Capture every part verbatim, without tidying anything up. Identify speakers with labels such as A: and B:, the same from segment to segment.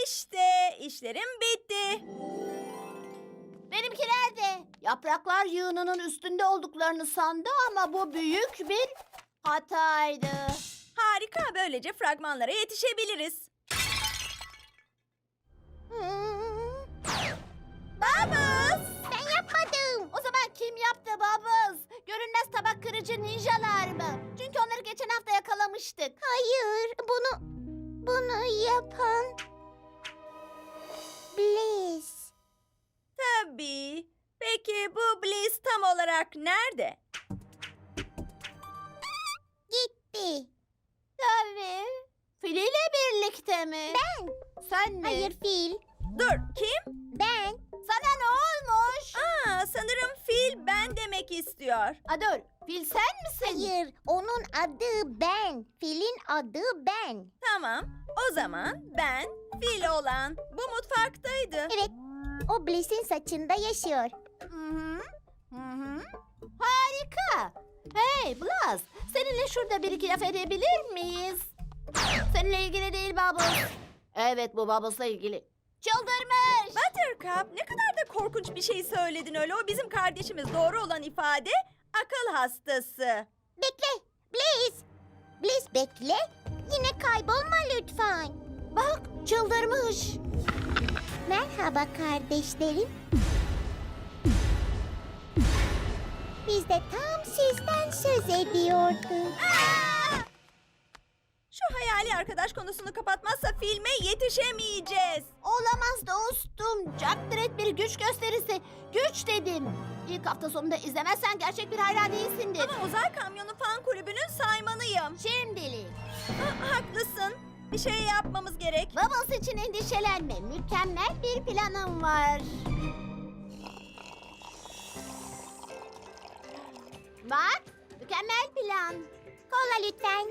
A: İşte işlerim bitti.
B: Benimkiler de yapraklar yığınının üstünde olduklarını sandı ama bu büyük bir hataydı.
A: Harika, böylece fragmanlara yetişebiliriz.
B: Babız! Ben yapmadım. O zaman kim yaptı Babız? Görünmez tabak kırıcı ninjalar mı? Çünkü onları geçen hafta yakalamıştık. Hayır, bunu bunu yapan Bliss.
A: Tabii. Peki bu Bliss tam olarak nerede?
B: Gitti. Tabii. Fil ile birlikte mi? Ben. Sen mi? Hayır, Fil.
A: Dur, kim?
B: Ben. Sana ne olmuş?
A: Aa, sanırım fil ben demek istiyor.
B: A dur, Fil sen misin?
C: Hayır, onun adı ben. Filin adı ben.
A: Tamam, o zaman ben fil olan bu mutfaktaydı.
C: Evet, o Bliss'in saçında yaşıyor.
B: Hı hı. Hı hı. Harika. Hey Blas, seninle şurada bir iki laf edebilir miyiz? Seninle ilgili değil Bubbles. Evet, bu Bubbles'la ilgili. Çıldırmış.
A: Buttercup, ne kadar da korkunç bir şey söyledin öyle. O bizim kardeşimiz. Doğru olan ifade akıl hastası.
C: Bekle, Bliss. Bliss bekle, yine kaybolma lütfen.
B: Bak, çıldırmış.
C: Merhaba kardeşlerim. Biz de tam sizden söz ediyorduk.
A: Şu hayali arkadaş konusunu kapatmazsa filme yetişemeyeceğiz.
B: Olamaz dostum. Jack Dredd bir güç gösterisi. Güç dedim. İlk hafta sonunda izlemezsen gerçek bir hayran değilsindir.
A: Ama uzay kamyonu fan kulübünün saymanıyım.
B: Şimdilik.
A: Ha, haklısın. Bir şey yapmamız gerek.
B: Bubbles için endişelenme. Mükemmel bir planım var. Bak, mükemmel plan.
C: Kola lütfen.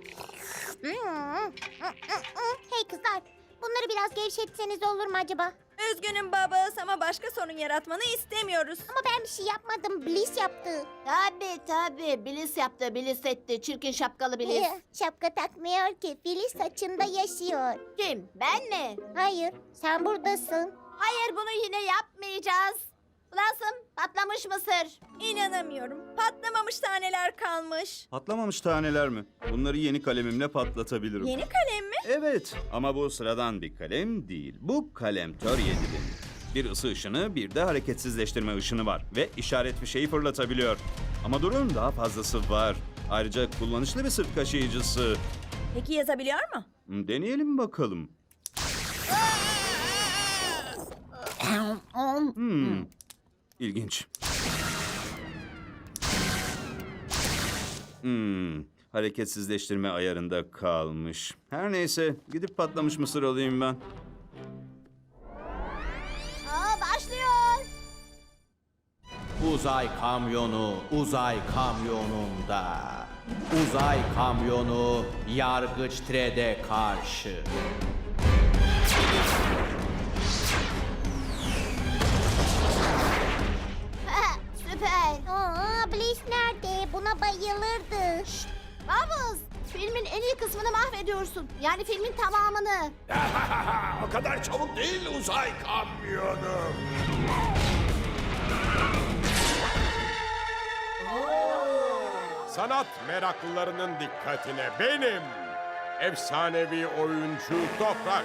C: Hey kızlar, bunları biraz gevşetseniz olur mu acaba?
A: Üzgünüm Bubbles ama başka sorun yaratmanı istemiyoruz.
C: Ama ben bir şey yapmadım, Bliss yaptı.
B: Tabii tabii. Bliss yaptı, Bliss etti. Çirkin şapkalı Bliss.
C: Şapka takmıyor ki, Fili saçında yaşıyor.
B: Kim? Ben mi?
C: Hayır, sen buradasın.
B: Hayır, bunu yine yapmayacağız. Blossom, patlamış mısır.
A: İnanamıyorum. Patlamamış taneler kalmış.
D: Patlamamış taneler mi? Bunları yeni kalemimle patlatabilirim.
A: Yeni kalem mi?
D: Evet ama bu sıradan bir kalem değil. Bu kalemtör yedi bin. Bir ısı ışını bir de hareketsizleştirme ışını var. Ve işaret fişeği fırlatabiliyor. Ama durun, daha fazlası var. Ayrıca kullanışlı bir sırt kaşıyıcısı.
A: Peki yazabiliyor mu?
D: Hmm, Deneyelim bakalım. Hmm. İlginç. Hmm. Hareketsizleştirme ayarında kalmış. Her neyse, gidip patlamış mısır alayım ben.
B: Aa, başlıyor.
E: Uzay kamyonu, uzay kamyonunda. Uzay kamyonu Yargıç Tred'e karşı.
B: Ha, süper.
C: Aa, Bliss nerede? Buna bayılırdı.
B: Bubbles, filmin en iyi kısmını mahvediyorsun. Yani filmin tamamını.
F: O kadar çabuk değil uzay kamyonu. Sanat meraklılarının dikkatine benim efsanevi oyuncu Toprak